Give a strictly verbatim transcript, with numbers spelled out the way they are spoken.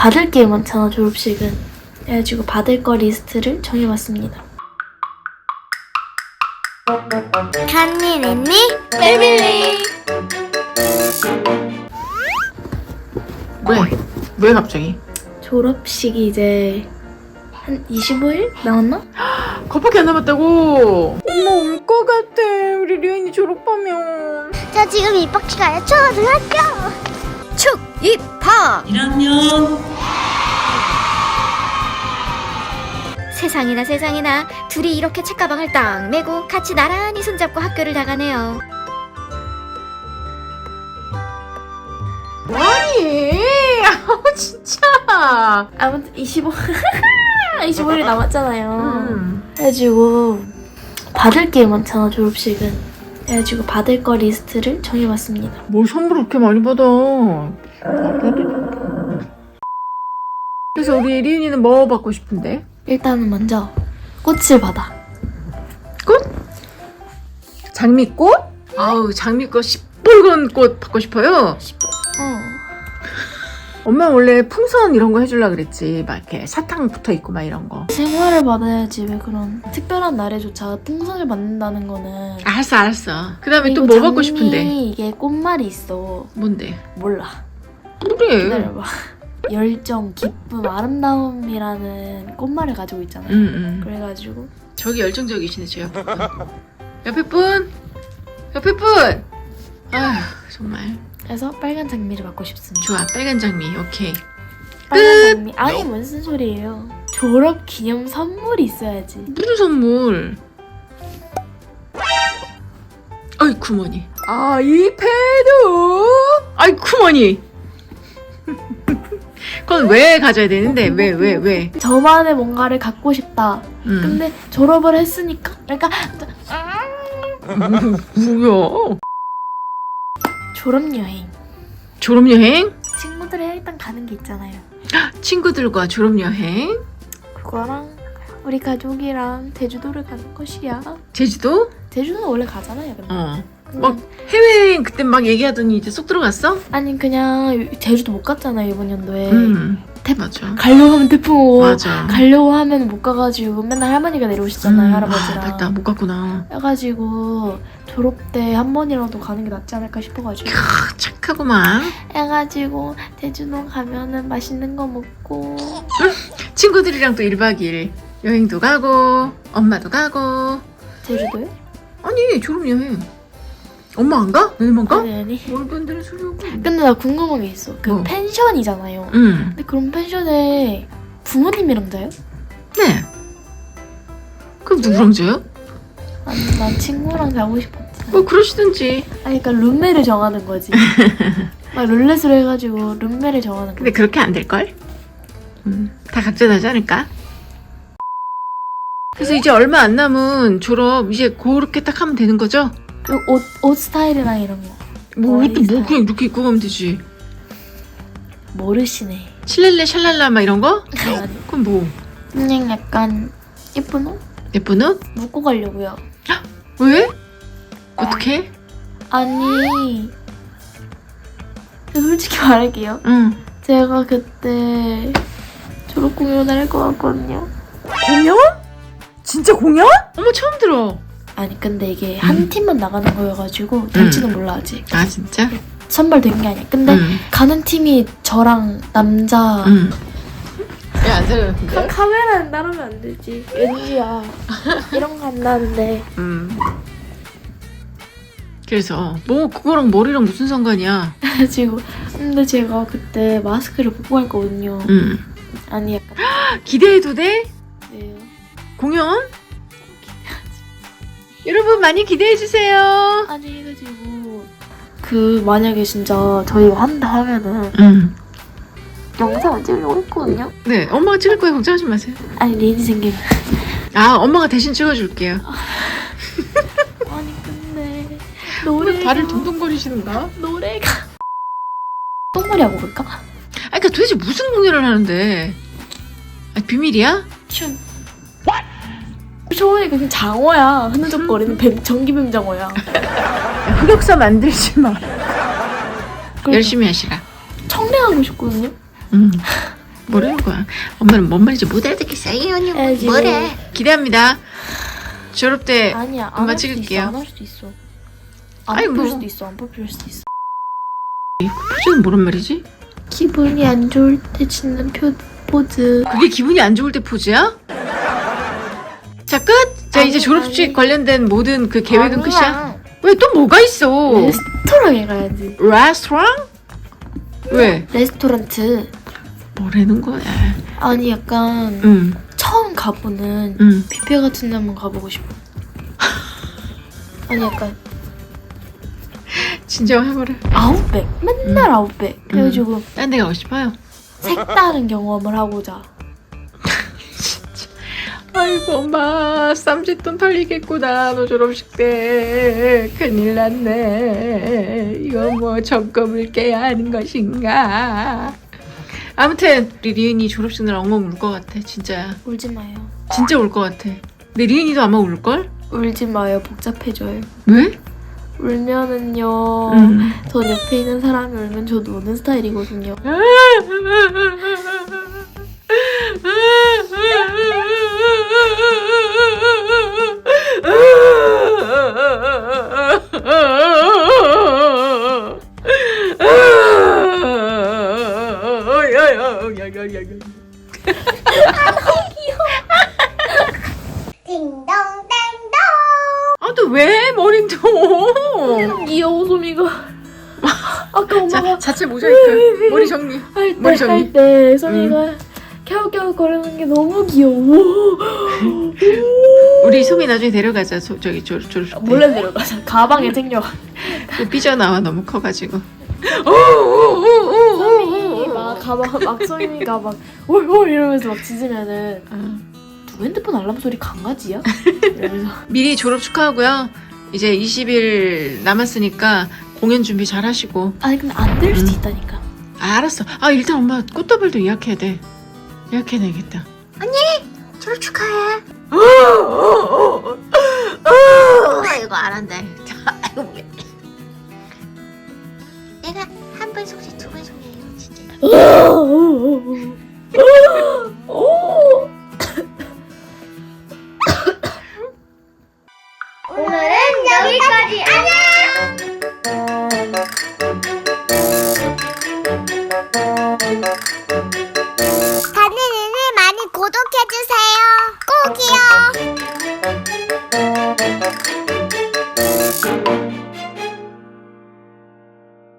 받을 게 많잖아, 졸업식은. 그래가지고 받을 거 리스트를 정해봤습니다. 간니 랜니 패밀리. 왜? 왜 갑자기? 졸업식이 이제 한 이십오 일 남았나? 그것밖에 안 남았다고? 엄마 울 것 같아. 우리 리언이 졸업하면. 저 지금 입학기 가요. 초등학교 축 입학. 일 학년 세상이나 세상이나 둘이 이렇게 책가방을 딱 메고 같이 나란히 손잡고 학교를 나가네요. 뭐하니? 아우 진짜. 아무튼 이십오 이십오 일 남았잖아요. 음. 그래가지고 받을 게 많잖아, 졸업식은. 그래가지고 받을 거 리스트를 정해봤습니다. 뭘 선물을 그렇게 많이 받아? 그래서 우리 리은이는 뭐 받고 싶은데? 일단은 먼저 꽃을 받아. 꽃? 장미꽃? 아우 장미꽃 시뻘건 꽃 받고 싶어요? 어. 엄마 원래 풍선 이런 거 해주려 그랬지. 막 이렇게 사탕 붙어 있고 막 이런 거. 생활을 받아야지. 왜 그런 특별한 날에조차 풍선을 받는다는 거는. 알았어 알았어. 그 다음에 또 그리고 뭐 받고 장미 싶은데? 이게 꽃말이 있어. 뭔데? 몰라. 그래. 기다려봐. 열정, 기쁨, 아름다움이라는 꽃말을 가지고 있잖아요. 응, 응. 그래가지고 저기 열정적이시네 저 옆에 분. 옆에 분! 옆에 분! 아휴 정말. 그래서 빨간 장미를 받고 싶습니다. 좋아 빨간 장미 오케이. 빨간 장미. 아니 무슨 소리예요. 졸업 기념 선물이 있어야지. 무슨 선물? 아이쿠머니. 아이패드! 아이쿠머니! 그건 왜 가져야 되는데? 왜 왜 왜? 저만의 뭔가를 갖고 싶다. 음. 근데 졸업을 했으니까 그러니까 뭐야? 졸업여행. 졸업여행? 친구들이랑 일단 가는 게 있잖아요. 친구들과 졸업여행? 그거랑 우리 가족이랑 제주도를 가는 것이야. 제주도? 제주도는 원래 가잖아요. 근데. 어. 근데 막 해외여행 그때 막 얘기하더니 이제 쏙 들어갔어? 아니 그냥 제주도 못 갔잖아요 이번 연도에. 음. 태, 맞아. 가려고 하면 태풍 오고 맞아. 가려고 하면 못 가가지고 맨날 할머니가 내려오시잖아요. 음, 할아버지랑. 아, 맞다 못 갔구나. 해가지고 졸업 때 한 번이라도 가는 게 낫지 않을까 싶어가지고 크, 착하구만. 해가지고 제주도 가면은 맛있는 거 먹고 친구들이랑 또 일 박 이 일 여행도 가고 엄마도 가고. 제주도요? 아니 졸업여행 엄마 안 가? 너희만 가? 아니 아니. 뭘 건드는 소리하고. 근데 나 궁금한 게 있어. 그 뭐? 펜션이잖아요. 응. 근데 그럼 펜션에 부모님이랑 자요? 네. 그럼 누구랑 자요? 아니 난 친구랑 자고 싶었지. 뭐 그러시든지. 아니 그러니까 룸메를 정하는 거지. 막 룰렛으로 해가지고 룸메를 정하는 근데 거지. 그렇게 안 될걸? 음, 다 각자 나지 않을까? 그래서 이제 얼마 안 남은 졸업 이제 그렇게 딱 하면 되는 거죠? 그 옷, 옷 스타일이랑 이런 거 뭐 머리 옷도 뭐 스타일. 그냥 이렇게 입고 가면 되지. 모르시네. 칠렐레 샬랄라 막 이런 거? 아니 그럼 뭐 그냥 약간 예쁜 옷? 예쁜 옷? 묶고 가려고요. 왜? 어떻게? 아니 솔직히 말할게요. 응. 제가 그때 졸업 공연을 할 것 같거든요. 공연? 진짜 공연? 어머 처음 들어. 아니 근데 이게 한 팀만 나가는 거여가지고 될지는 몰라 아직. 아 진짜? 선발된 게 아니야. 근데 응. 가는 팀이 저랑 남자. 응. 왜안 사려는데? 카, 카메라는 따르면 안 되지. 왠지야. 이런 거 안 나는데. 음. 그래서 뭐 그거랑 머리랑 무슨 상관이야? 지금 근데 제가 그때 마스크를 벗고 갈 거거든요. 응. 아니 약간 기대해도 돼? 네요. 공연? 여러분 많이 기대해 주세요. 아니 해가지고 그 만약에 진짜 저희가 한다 하면은 응. 영상을 찍으려고 했거든요. 네, 엄마가 찍을 거예요. 걱정하지 마세요. 아니 리인이 생기면. 아, 엄마가 대신 찍어줄게요. 아니 근데 노래가 발을 동동거리시는가? 노래가 똥머리 하고 볼까? 아, 그러니까 도대체 무슨 공연을 하는데? 아, 비밀이야? 춤. 초원이 그냥 장어야. 흐느적거리는 뱀, 전기뱀 장어야. 흑역사 만들지 마. 그러니까 열심히 하시라. 청량하고 싶거든요. 응. 뭐라는 거야? 엄마는 뭔 말인지 못 알아듣겠어요. 해야지. 뭐래? 기대합니다. 졸업 때 아니야. 엄마 안할 수도 찍을게요. 있어. 안 할 수도 있어. 안 아니, 뽑힐 뭐. 수도 있어. 안 뽑힐 수도 있어. 표정은 뭐란 말이지? 기분이 안 좋을 때 짓는 표 포즈. 그게 기분이 안 좋을 때 포즈야? 자 끝! 자 아니, 이제 졸업식 아니. 관련된 모든 그 계획은 아니야. 끝이야? 왜 또 뭐가 있어? 레스토랑에 가야지. 레스토랑? 왜? 레스토랑트. 뭐라는 거야? 아니 약간 응, 처음 가보는 응. 뷔페 같은 데 한번 가보고 싶어. 아니 약간 진정해보라. 아웃백. 맨날 음. 아웃백. 그래가지고 딴 데 가고 싶어요? 색다른 경험을 하고자. 아이고 엄마 쌈짓돈 털리겠구나 너 졸업식 때 큰일 났네. 이거 뭐 점검을 깨야 하는 것인가. 아무튼 우리 리은이 졸업식 날 엉엉 울 것 같아. 진짜야. 울지 마요. 진짜 울 것 같아. 근데 리은이도 아마 울걸? 울지 마요. 복잡해져요. 왜? 울면은요. 음. 전 옆에 있는 사람이 울면 저도 우는 스타일이거든요. 아, 또 왜 머리도? 귀여워 소미가. 아까 자, 엄마가 자체 모자이크. 머리 정리. 머리 할때 정리. 할 때 소미가 갸우갸우 거리는 게 너무 귀여워. 우리 소미 나중에 데려가자. 저, 저기 졸, 졸업식 때. 몰래 내려가자. 가방에 챙겨. 또 삐져나와 너무 커가지고. 소미 막 가방 막 소미가 막 올올 이러면서 막 짖으면은 어. 누구 핸드폰 알람 소리 강아지야? 이러면서 미리 졸업 축하하고요. 이제 이십 일 남았으니까 공연 준비 잘 하시고. 아니 근데 안 될 수도 음. 있다니까. 아, 알았어. 아, 일단 엄마 꽃다발도 예약해야 돼. 예약해야겠다. 졸업 축하해. 이거 안 한다. 아이고 왜? 내가 한 번 속지 두 번 속이에요 진짜. 오늘은 여기까지. 안녕.